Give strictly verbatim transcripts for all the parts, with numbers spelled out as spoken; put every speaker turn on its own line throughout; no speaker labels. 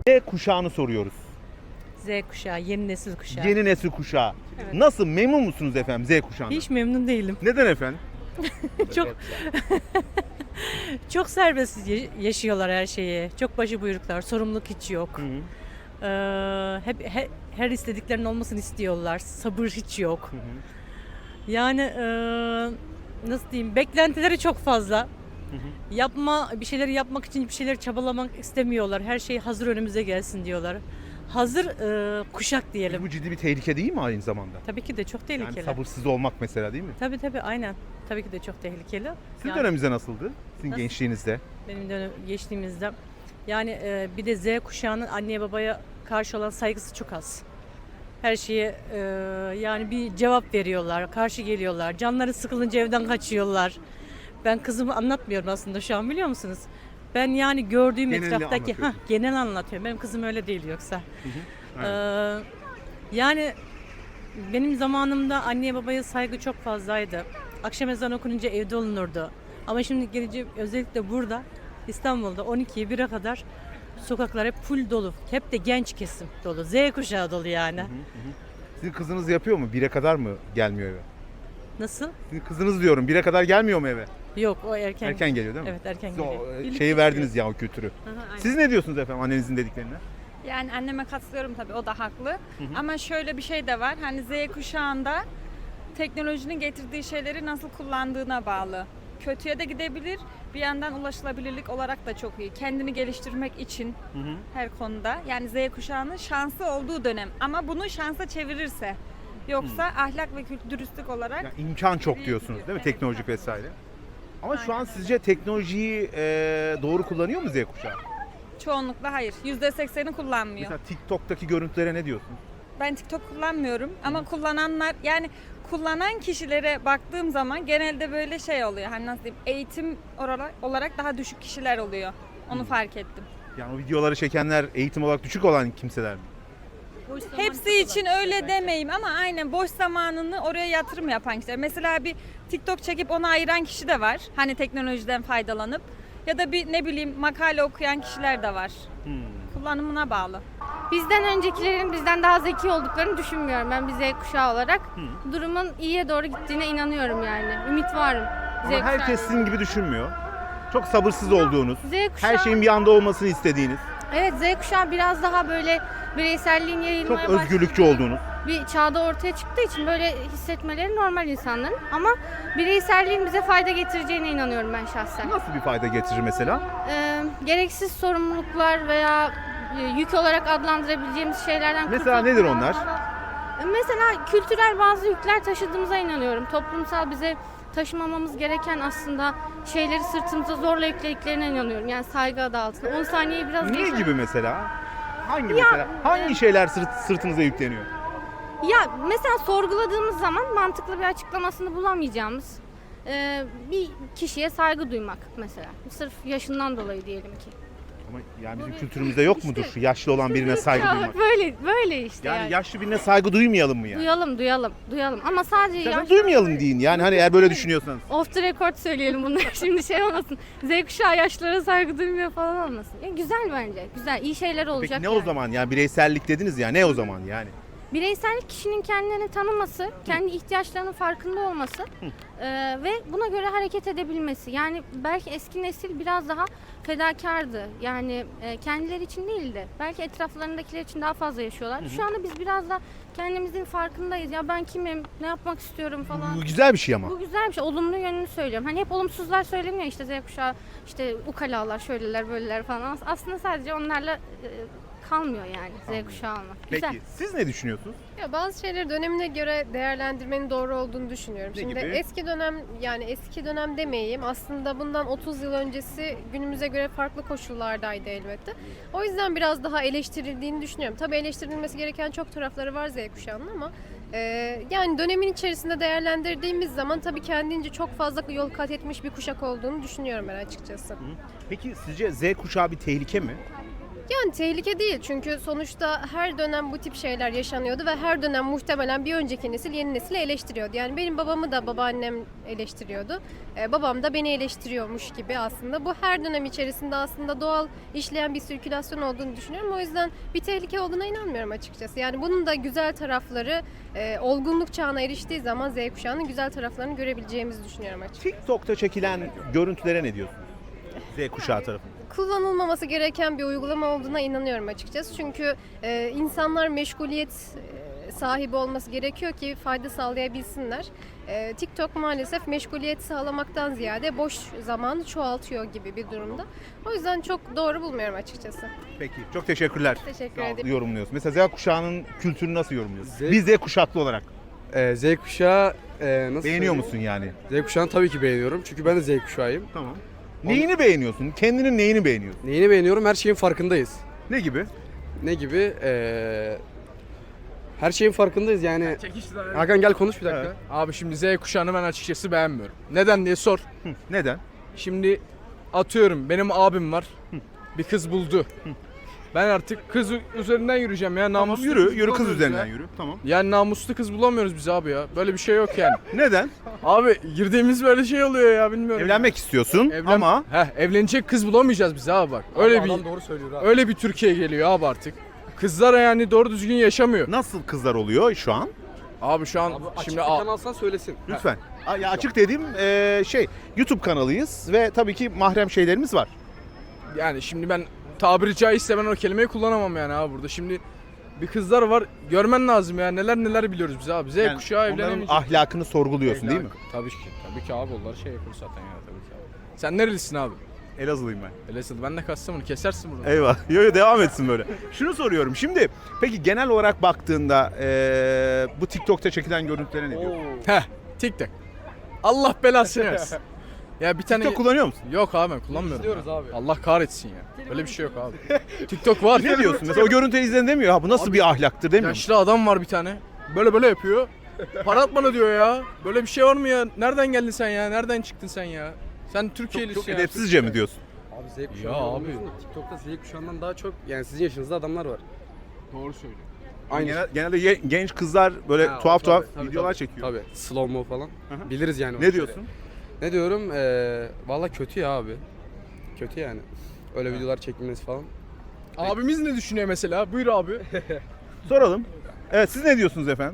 Z kuşağını soruyoruz.
Z kuşağı, yeni nesil kuşağı.
Yeni nesil kuşağı.
Evet.
Nasıl, memnun musunuz efendim Z kuşağından?
Hiç memnun değilim.
Neden efendim?
Çok çok serbest ya- yaşıyorlar her şeyi. Çok başıbuyruklar, sorumluluk hiç yok.
Hı hı.
Ee, hep he- her istediklerinin olmasını istiyorlar. Sabır hiç yok.
Hı hı.
Yani e, nasıl diyeyim? Beklentileri çok fazla.
Hı hı.
Yapma bir şeyleri yapmak için bir şeyler çabalamak istemiyorlar. Her şey hazır önümüze gelsin diyorlar. Hazır e, kuşak diyelim.
Bu ciddi bir tehlike değil mi aynı zamanda?
Tabii ki de çok tehlikeli.
Yani sabırsız olmak mesela değil mi?
Tabii tabii aynen. Tabii ki de çok tehlikeli.
Sizin
Yani
döneminizde nasıldı? Sizin
Nasıl?
gençliğinizde?
benim dönem geçtiğimizde yani e, bir de Z kuşağının anneye babaya karşı olan saygısı çok az. Her şeye e, yani bir cevap veriyorlar, karşı geliyorlar. Canları sıkılınca evden kaçıyorlar. Ben kızımı anlatmıyorum aslında şu an biliyor musunuz? Ben yani gördüğüm
Genelini
etraftaki
anlatıyorsun.
ha genel anlatıyorum. Benim kızım öyle değil yoksa.
Hı hı.
Ee, yani benim zamanımda anneye babaya saygı çok fazlaydı. Akşam ezanı okununca evde olunurdu. Ama şimdi gelince özellikle burada İstanbul'da on ikiye bire kadar sokaklar hep full dolu. Hep de genç kesim dolu. Z kuşağı dolu yani.
Sizin kızınız yapıyor mu? Bire kadar mı gelmiyor eve?
Nasıl?
Sizin kızınız diyorum, bire kadar gelmiyor mu eve?
Yok o erken.
Erken geliyor değil mi?
Evet erken
Siz
geliyor.
o e,
Birlikte
şeyi verdiniz ya o kültürü.
gidiyoruz. Aha, aynen.
Siz ne diyorsunuz efendim annenizin dediklerine?
Yani anneme katılıyorum tabii, o da haklı. Ama şöyle bir şey de var. Hani Z kuşağında teknolojinin getirdiği şeyleri nasıl kullandığına bağlı. Kötüye de gidebilir. Bir yandan ulaşılabilirlik olarak da çok iyi. Kendini geliştirmek için
Hı hı.
her konuda. Yani Z kuşağının şansı olduğu dönem. Ama bunu şansa çevirirse. Yoksa ahlak ve kültür dürüstlük olarak
Yani imkan çok
İyi
diyorsunuz
gidiyor.
değil mi?
Evet,
Teknolojik
tabii.
vesaire. Ama şu
Aynen
an
öyle.
sizce teknolojiyi e, doğru kullanıyor mu Z kuşağı?
çoğunlukla hayır. yüzde sekseni kullanmıyor.
Mesela TikTok'taki görüntülere ne diyorsunuz?
Ben TikTok kullanmıyorum ama kullananlar, yani kullanan kişilere baktığım zaman genelde böyle şey oluyor. Hani nasıl diyeyim, eğitim olarak, olarak daha düşük kişiler oluyor. Onu fark ettim.
Yani o videoları çekenler eğitim olarak düşük olan kimseler mi?
Hepsi için öyle demeyeyim ama aynen boş zamanını oraya yatırım yapan kişiler. Mesela bir TikTok çekip onu ayıran kişi de var. Hani teknolojiden faydalanıp, ya da bir ne bileyim makale okuyan kişiler de var.
Hmm.
Kullanımına bağlı.
Bizden öncekilerin bizden daha zeki olduklarını düşünmüyorum ben bir Z kuşağı olarak. Durumun iyiye doğru gittiğine inanıyorum yani. Ümit varım. Z
Ama herkes
kuşağı-
sizin gibi düşünmüyor. Çok sabırsız olduğunuz,
Z kuşağı,
her şeyin bir anda olmasını istediğiniz,
evet Z kuşağı biraz daha böyle bireyselliğin
çok
yayılmaya
özgürlükçü
başladığı
olduğunuz.
bir çağda ortaya çıktığı için böyle hissetmeleri normal insanların. Ama bireyselliğin bize fayda getireceğine inanıyorum ben şahsen.
Nasıl bir fayda getirir mesela?
Ee, gereksiz sorumluluklar veya e, yük olarak adlandırabileceğimiz şeylerden
Mesela
kurtulup
nedir
biraz
onlar?
daha- E, Mesela kültürel bazı yükler taşıdığımıza inanıyorum. Toplumsal bize taşımamamız gereken aslında şeyleri sırtımıza zorla yüklediklerine inanıyorum. Yani saygı adı altında. on saniyeyi biraz
Ne
geçer-
gibi mesela? Hangi mesela? Hangi şeyler sırt, sırtınıza yükleniyor?
Ya mesela sorguladığımız zaman mantıklı bir açıklamasını bulamayacağımız e, bir kişiye saygı duymak mesela. Sırf yaşından dolayı diyelim ki.
Ama yani bizim
Böyle-
kültürümüzde yok
İşte-
mudur şu yaşlı olan birine saygı
Ya
duymak?
Böyle böyle işte
Yani
yani.
yaşlı birine saygı duymayalım mı yani?
Duyalım duyalım duyalım ama sadece
Zaten
yaş-
duymayalım deyin yani hani eğer böyle düşünüyorsanız.
Off the record söyleyelim bunları şimdi şey olmasın. Z kuşağı yaşlılara saygı duymuyor falan olmasın. Ya güzel bence. Güzel. iyi şeyler olacak.
Peki ne o
yani.
zaman yani bireysellik dediniz ya ne o zaman yani?
Bireysellik kişinin kendini tanıması, kendi ihtiyaçlarının farkında olması e, ve buna göre hareket edebilmesi. Yani belki eski nesil biraz daha fedakardı. Yani e, kendileri için değildi. Belki etraflarındakiler için daha fazla yaşıyorlar. Şu anda biz biraz da kendimizin farkındayız. Ya ben kimim, ne yapmak istiyorum falan.
Bu güzel bir şey ama.
Bu güzel bir şey. Olumlu yönünü söylüyorum. Hani hep olumsuzlar söyleniyor işte Z kuşağı, işte ukalalar, şöyleler, böyleler falan. As- Aslında sadece onlarla e, kalmıyor yani Z kuşağı olmak. Güzel.
Peki siz ne düşünüyorsunuz?
Ya bazı şeyleri dönemine göre değerlendirmenin doğru olduğunu düşünüyorum.
Ne
Şimdi
gibi?
eski dönem, yani eski dönem demeyeyim, aslında bundan otuz yıl öncesi günümüze göre farklı koşullardaydı elbette. O yüzden biraz daha eleştirildiğini düşünüyorum. Tabii eleştirilmesi gereken çok tarafları var Z kuşağının ama Ee, yani dönemin içerisinde değerlendirdiğimiz zaman tabii kendince çok fazla yol kat etmiş bir kuşak olduğunu düşünüyorum ben açıkçası.
Peki sizce Z kuşağı bir tehlike mi?
Yani tehlike değil çünkü sonuçta her dönem bu tip şeyler yaşanıyordu ve her dönem muhtemelen bir önceki nesil yeni nesili eleştiriyordu. Yani benim babamı da babaannem eleştiriyordu. Ee, babam da beni eleştiriyormuş gibi aslında. Bu her dönem içerisinde aslında doğal işleyen bir sirkülasyon olduğunu düşünüyorum. O yüzden bir tehlike olduğuna inanmıyorum açıkçası. Yani bunun da güzel tarafları, e, olgunluk çağına eriştiği zaman Z kuşağının güzel taraflarını görebileceğimizi düşünüyorum açıkçası.
TikTok'ta çekilen görüntülere ne diyorsunuz? Z kuşağı tarafından.
Kullanılmaması gereken bir uygulama olduğuna inanıyorum açıkçası. Çünkü e, insanlar meşguliyet e, sahibi olması gerekiyor ki fayda sağlayabilsinler. E, TikTok maalesef meşguliyet sağlamaktan ziyade boş zamanı çoğaltıyor gibi bir durumda. O yüzden çok doğru bulmuyorum açıkçası.
Peki çok teşekkürler.
Teşekkür
Sağ olun,
ederim.
yorumluyorsun. Mesela Z kuşağının kültürünü nasıl yorumluyorsun?
Z-
Bir Z kuşaklı olarak
Ee, Z kuşağı e, nasıl
beğeniyor
söyleyeyim?
musun yani?
Z kuşağını tabii ki beğeniyorum. Çünkü ben de Z kuşağıyım.
Tamam. Neyini beğeniyorsun? Kendinin neyini beğeniyorsun?
Neyini beğeniyorum? Her şeyin farkındayız.
Ne gibi?
Ne gibi? Ee, her şeyin farkındayız yani. Hakan gel konuş bir dakika.
Evet.
Abi şimdi Z kuşağını ben açıkçası beğenmiyorum. Neden diye sor.
Hı, neden?
Şimdi atıyorum benim abim var. Bir kız buldu. Ben artık kız üzerinden yürüyeceğim ya.
Tamam,
Namuslu
yürü,
kız
yürü kız
bulamıyoruz
üzerinden
ya.
yürü. Tamam.
Yani namuslu kız bulamıyoruz biz abi ya. Böyle bir şey yok yani.
Neden?
Abi girdiğimiz böyle şey oluyor ya bilmiyorum.
Evlenmek istiyorsun
Evlen-
ama
Heh, evlenecek kız bulamayacağız biz abi bak. Öyle bir
Adam doğru söylüyor abi.
öyle bir Türkiye geliyor abi artık. Kızlar yani doğru düzgün yaşamıyor.
nasıl kızlar oluyor şu an?
Abi şu an
Abi açık
şimdi
bir
a-
kanal alsan söylesin.
Lütfen. A- Ya açık dediğim eee, şey YouTube kanalıyız ve tabii ki mahrem şeylerimiz var.
yani şimdi ben tabiri caizse ben o kelimeyi kullanamam yani abi burada. Şimdi bir kızlar var görmen lazım ya neler neler biliyoruz biz abi. Z
Yani
kuşağı
onların
evlenemeyecek.
ahlakını sorguluyorsun değil mi?
Tabii ki. Tabii ki abi onlar şey yapıyor zaten ya tabii ki abi. Sen nerelisin abi?
Elazığlıyım ben.
Elazığlı. Ben de Kastamonu. Kesersin bunu.
Eyvah. Yo yo devam etsin böyle. Şunu soruyorum. Şimdi peki genel olarak baktığında eee, bu TikTok'ta çekilen görüntülere ne diyorsun?
Heh. TikTok. Allah belasını versin. Ya bir tane...
TikTok kullanıyor musun?
Yok abi ben kullanmıyorum.
İzliyoruz
ya.
abi.
Allah kahretsin ya. Böyle bir şey yok abi. TikTok var.
Ne diyorsun? Mesela o görüntüleri izleyen demiyor. Ha bu nasıl bir ahlaktır demiyor mu?
Yaşlı adam var bir tane. Böyle böyle yapıyor. Para at bana diyor ya. Böyle bir şey var mı ya? Nereden geldin sen ya? Nereden çıktın sen ya? Sen
Çok,
Türkiye'lisin
çok
ya.
edepsizce mi diyorsun?
Abi Z kuşağı.
Ya abi.
olmuyorsun da TikTok'ta Z kuşağından daha çok yani sizin yaşınızda adamlar var.
Doğru söylüyor.
Aynı.
Genel, genelde ye- genç kızlar böyle
Ha,
tuhaf
tabii,
tuhaf
tabii,
videolar
tabii.
çekiyor.
Tabii. Slow mo falan.
hı.
Biliriz yani. o
Ne
işleri.
diyorsun?
Ne diyorum? Ee, Valla kötü ya abi. Kötü yani. Öyle videolar çekilmesi falan.
Abimiz ne düşünüyor mesela? Buyur abi.
Soralım. Evet siz ne diyorsunuz efendim?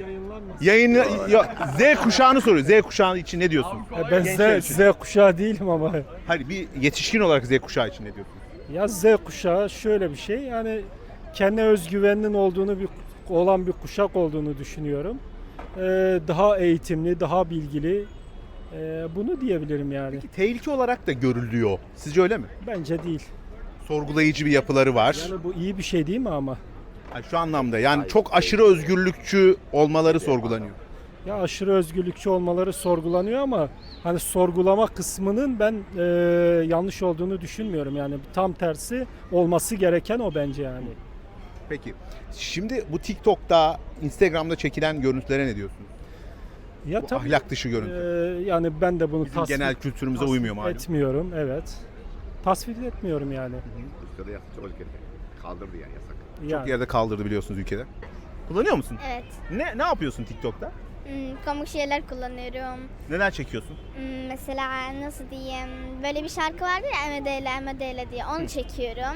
Yayınla ya, Z kuşağını soruyor. Z kuşağı için ne diyorsun?
Ben
Gençler
Z,
için.
Z kuşağı değilim ama.
Hayır bir yetişkin olarak Z kuşağı için ne diyorsun?
Ya Z kuşağı şöyle bir şey yani kendi özgüveninin olduğunu bir olan bir kuşak olduğunu düşünüyorum. Ee, daha eğitimli, daha bilgili. Ee, bunu diyebilirim yani.
Peki tehlike olarak da görülüyor. Sizce öyle mi?
Bence değil.
Sorgulayıcı bir yapıları var.
Yani bu iyi bir şey değil mi ama?
Yani şu anlamda yani çok aşırı özgürlükçü olmaları sorgulanıyor.
Ya aşırı özgürlükçü olmaları sorgulanıyor ama hani sorgulama kısmının ben e, yanlış olduğunu düşünmüyorum. Yani tam tersi olması gereken o bence yani.
Peki şimdi bu TikTok'ta, Instagram'da çekilen görüntülere ne diyorsunuz?
Ya
Bu
tabii
ahlak dışı
e,
görüntü.
yani ben de bunu
Bizim
tasvip,
genel kültürümüze
tasvip
uymuyor malum.
etmiyorum. Evet. Tasvip etmiyorum yani.
Ülkede yasak, çok ülkede kaldırdı yani yasak.
Yani.
Çok yerde kaldırdı biliyorsunuz ülkede. Kullanıyor musun?
Evet.
Ne ne yapıyorsun TikTok'ta?
Hmm, komik şeyler kullanıyorum.
Neler çekiyorsun?
Hmm, mesela nasıl diyeyim? Böyle bir şarkı vardı ya Emedeyle Emedeyle diye. Onu çekiyorum.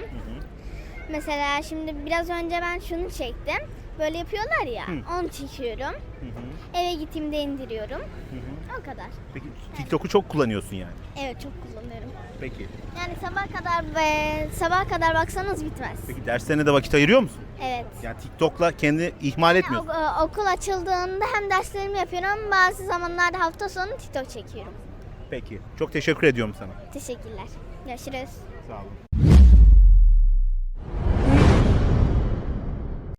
Mesela şimdi biraz önce ben şunu çektim. Böyle yapıyorlar ya. Onu çekiyorum. Eve gittiğimde indiriyorum. O kadar.
Peki TikTok'u çok kullanıyorsun yani.
Evet çok kullanıyorum.
Peki.
Yani sabah kadar ve sabah kadar baksanız bitmez.
Peki derslerine de vakit ayırıyor musun?
Evet.
Yani TikTok'la kendi ihmal etmiyorsun.
Yani o- okul açıldığında hem derslerimi yapıyorum. Bazı zamanlarda hafta sonu TikTok çekiyorum.
Peki. Çok teşekkür ediyorum sana.
Teşekkürler. Görüşürüz.
Sağ olun.